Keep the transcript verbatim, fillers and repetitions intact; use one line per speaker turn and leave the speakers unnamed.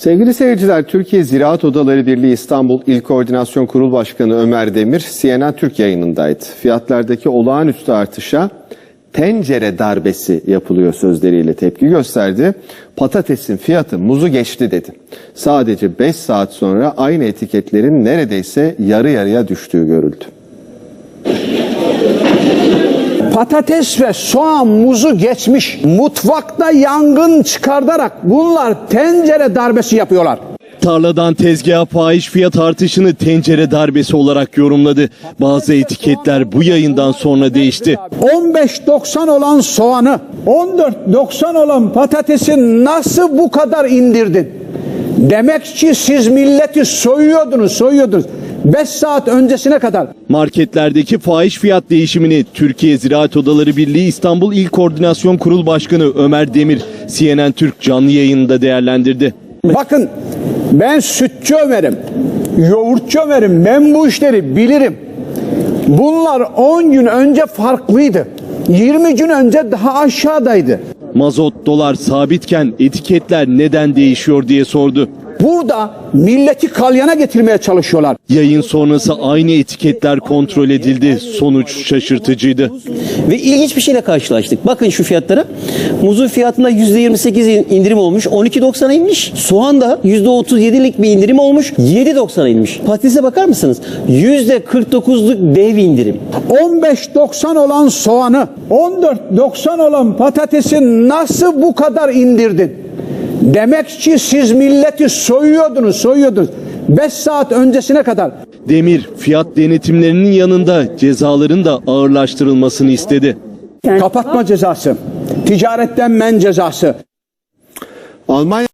Sevgili seyirciler, Türkiye Ziraat Odaları Birliği İstanbul İl Koordinasyon Kurul Başkanı Ömer Demir, C N N Türk yayınındaydı. Fiyatlardaki olağanüstü artışa tencere darbesi yapılıyor sözleriyle tepki gösterdi. Patatesin fiyatı muzu geçti dedi. Sadece beş saat sonra aynı etiketlerin neredeyse yarı yarıya düştüğü görüldü.
Patates ve soğan muzu geçmiş. Mutfakta yangın çıkartarak bunlar tencere darbesi yapıyorlar.
Tarladan tezgaha fahiş fiyat artışını tencere darbesi olarak yorumladı. Bazı etiketler bu yayından sonra değişti.
on beş doksan olan soğanı, on dört doksan olan patatesi nasıl bu kadar indirdin? Demek ki siz milleti soyuyordunuz, soyuyordunuz. beş saat öncesine kadar.
Marketlerdeki fahiş fiyat değişimini Türkiye Ziraat Odaları Birliği İstanbul İl Koordinasyon Kurul Başkanı Ömer Demir, C N N Türk canlı yayınında değerlendirdi.
Bakın, ben sütçü Ömer'im, yoğurtçu Ömer'im, ben bu işleri bilirim. Bunlar on gün önce farklıydı. yirmi gün önce daha aşağıdaydı.
Mazot, dolar sabitken etiketler neden değişiyor diye sordu.
Burada milleti kalyana getirmeye çalışıyorlar.
Yayın sonrası aynı etiketler kontrol edildi. Sonuç şaşırtıcıydı.
Ve ilginç bir şeyle karşılaştık. Bakın şu fiyatlara. Muzun fiyatında yüzde yirmi sekiz indirim olmuş. on iki doksana inmiş. Soğan da yüzde otuz yedilik bir indirim olmuş. yedi doksana inmiş. Patatese bakar mısınız? yüzde kırk dokuzluk dev indirim.
on beş doksan olan soğanı, on dört doksan olan patatesi nasıl bu kadar indirdin? Demek ki siz milleti soyuyordunuz, soyuyordunuz. beş saat öncesine kadar.
Demir, fiyat denetimlerinin yanında cezaların da ağırlaştırılmasını istedi.
Kapatma cezası, ticaretten men cezası.
Almanya